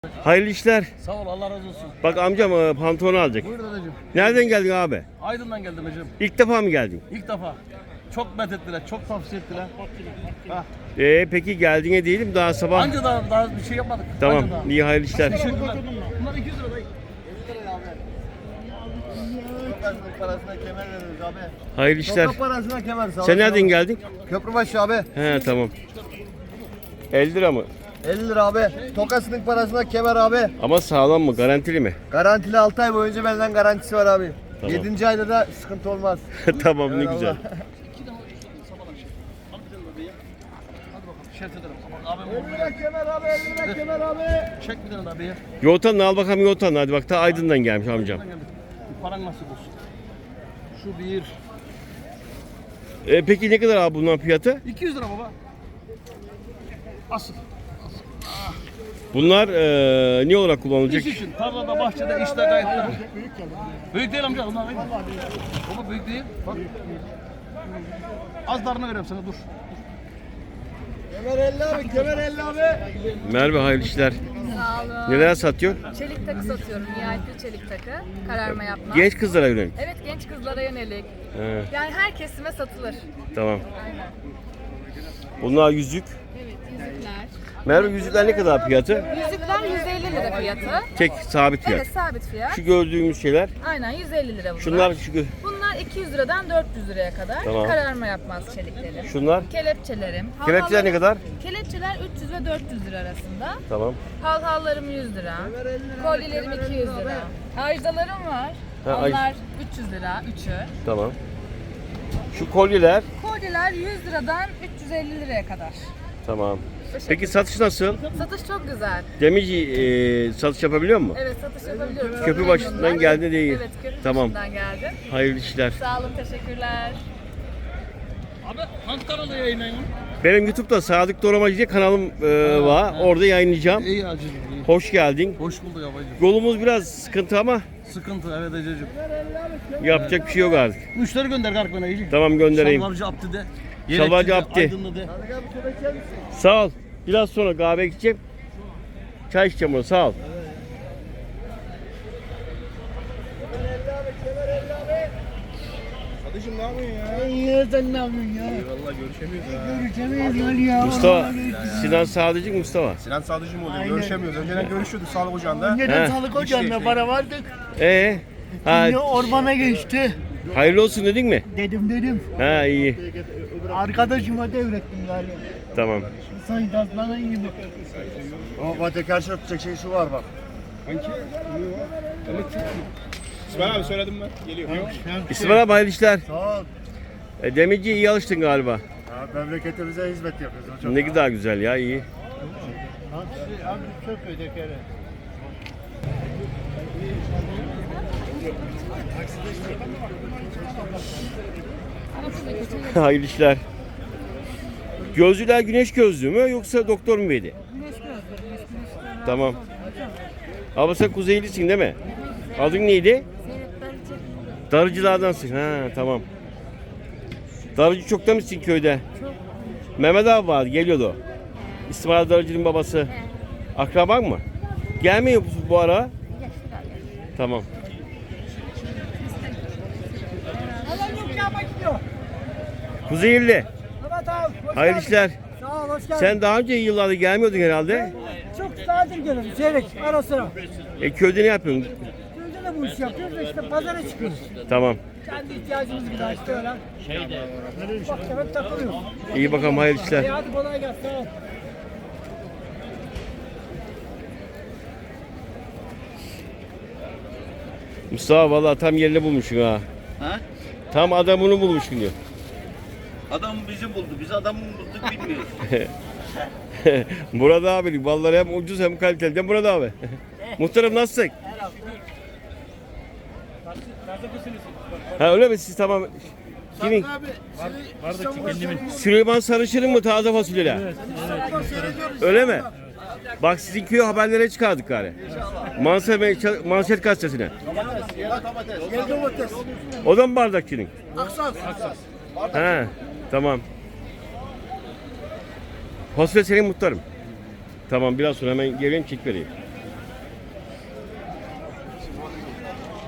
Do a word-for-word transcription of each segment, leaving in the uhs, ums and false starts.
Hayırlı işler. Sağ ol, Allah razı olsun. Bak amcam e, pantolonu alacak. Buyur dedeciğim. Nereden geldin abi? Aydın'dan geldim hocam. İlk defa mı geldin? İlk defa. Çok met ettiler, çok tavsiye ettiler. Ha. Ee, peki geldiğine değilim daha sabah. Anca daha, daha bir şey yapmadık. Tamam. Anca daha. İyi hayırlı işler. Teşekkürler. Bunlar iki yüz lira dayı. Sokak parasına kemer veriyoruz abi. Hayırlı işler. Sokak parasına kemer sağ Sen nereden geldin? Köprübaşı abi. He tamam. elli lira mı? elli lira abi. Tokasının parasına kemer abi. Ama sağlam mı? Garantili mi? Garantili altı ay boyunca benden garantisi var abi. Tamam. yedinci ayda da sıkıntı olmaz. Tamam ne Eyvallah. güzel. İki de sabah akşam. Al bir tane de dayı. Hadi bakalım. Şert ederim. Aman abim elli lira kemer abi, elli lira kemer abi. çek bir tane daha dayı. Yoğurtanla al bakalım yoğurtanla. Hadi bak ta Aydın'dan gelmiş amcam. Buradan geldik. Paran nasip olsun. Şu bir. Ee, peki ne kadar abi bunların fiyatı? iki yüz lira baba. Asıl. Bunlar e, ne olarak kullanılacak? İş için. Tarlada, bahçede, işte gayet güzel. Büyük değil amca. Bunlar büyük. Baba büyük değil. Bak. Az darını vereyim sana dur. Kemer elli abi, kemer elli abi. Merve hayırlı işler. Sağ olun. Neler satıyor? Çelik takı satıyorum. Nihayetli çelik takı. Kararma yapmaz. Genç kızlara yönelik. Evet, genç kızlara yönelik. He, Yani her kesime satılır. tamam. Aynen. Bunlar yüzük. Evet, yüzükler. Merve yüzükler ne kadar fiyatı? Yüzükler yüz elli lira fiyatı. Tek sabit fiyat. Evet, sabit fiyat. Şu gördüğümüz şeyler. Aynen yüz elli lira bunlar. Şunlar şu gö- Bunlar iki yüz liradan dört yüz liraya kadar. Tamam. Kararma yapmaz çeliklerim. şunlar. Kelepçelerim. Kelepçeler ne Halhallarım- kadar? Kelepçeler üç yüz ve dört yüz lira arasında. Tamam. Halhallarım yüz lira. Kolyelerim iki yüz lira. Ajdalarım var. Ha, aj- Onlar üç yüz lira, üçü. Tamam. Şu kolyeler. Kolyeler yüz liradan üç yüz elli liraya kadar. Tamam. Peki satış nasıl? Satış çok güzel. Demirci e, satış yapabiliyor mu? Evet, satış yapabiliyorum. Çok Köprü başından memnunlar. geldi değil. Evet, köprü Tamam. başından geldi. Hayırlı işler. Sağ olun, teşekkürler. Abi hangi kanalda yayınlayın? Benim YouTube'da Sadık Doğramacı diye kanalım e, var. Orada yayınlayacağım. İyi acıcım. iyi. Hoş geldin. Hoş bulduk abicim. Yolumuz biraz sıkıntı ama Sıkıntı evet acıcım. yapacak bir şey yok artık. Müşteri gönder kalk bana iyice. Tamam göndereyim. Şalvarcı Abdi de. Şalvarcı Yelekçi de, Abdi. Aydınlı de. Sağ ol. Biraz sonra kahve gideceğim. Çay içeceğim onu. Sağ ol. Kardeşim ne yapıyorsun ya? İyi sen ne yapıyorsun ya? Eyvallah görüşemiyoruz ha. Görüşemeyiz Ali ya. Mustafa. Sinan Sadıcık Mustafa. Sinan Sadıcı mı oluyor? Görüşemiyoruz. Önceden görüşüyorduk sağlık ocağında. Önceden He. sağlık ocağında para vardık. Ee, ha, Şimdi ormana geçti. hayırlı olsun dedin mi? Dedim dedim. Ha iyi. Arkadaşıma devrettim galiba. Tamam. Sayın Tasman'a iyi bak. Ama Fatih karşı tutacak şey şu var bak. İsmail abi söyledim ben. Geliyor. İsmail abi hayırlı işler. Sağ ol. E, demirci iyi alıştın galiba. Ya, memleketimize hizmet yapıyoruz. O çok Ne kadar güzel ya iyi. Abi, abi çok ödekere. Hayırlı işler. Gözlüler güneş gözlüğü mü yoksa doktor mu verdi? Güneş gözlüğü, güneş Tamam. Abla sen Kuzeylisin değil mi? Adın neydi? Darıcılardansın. Ha tamam. Darıcı çok da mısın köyde? Çok. Mehmet abi vardı geliyordu. İsmail Darıcı'nın babası. Akraban mı? Gelmiyor musun bu ara? Tamam. Kuzeyli. Evet abi. Hayırlı işler. Sağ ol, hoş geldin. Sen daha önce yıllarda gelmiyordun herhalde. Çok nadir gelirim. Seyrek ara sıra. E köyde ne yapıyorsun? Köyde de bu işi yapıyoruz da işte pazara çıkıyoruz. Tamam. Kendi ihtiyacımız gibi işte öyle. Şeyde. Bak hep takılıyoruz. İyi bakalım hayırlı işler. İyi hadi kolay gelsin. Sağ ol. Mustafa vallahi tam yerini bulmuşsun ha. Ha? Tam adamını bulmuşsun diyor. Adam bizi buldu. Biz adamı bulduk bilmiyoruz. Murat abi vallahi hem ucuz hem kaliteli. Değil mi Murat abi? Muhtarım nasılsın? Ha öyle mi siz tamam. Kimin? Süleyman Sarışın'ın mı taze fasulyeler? Öyle mi? Bak sizin köye haberlere çıkardık gari. Manşet, manşet gazetesine. O da mı bardakçının? Aksas. He, tamam. Fasulye senin muhtarım. Tamam biraz sonra hemen geleyim çek vereyim.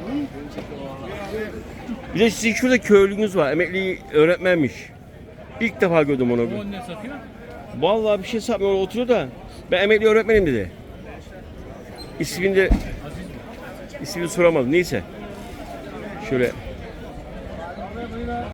Bir de sizin şurada köylünüz var. Emekli öğretmenmiş. İlk defa gördüm onu. O ne satıyor? Vallahi bir şey satmıyor, oturuyor da. Ben emekli öğretmenim dedi. İsmini de ismini soramadım. Neyse. Şöyle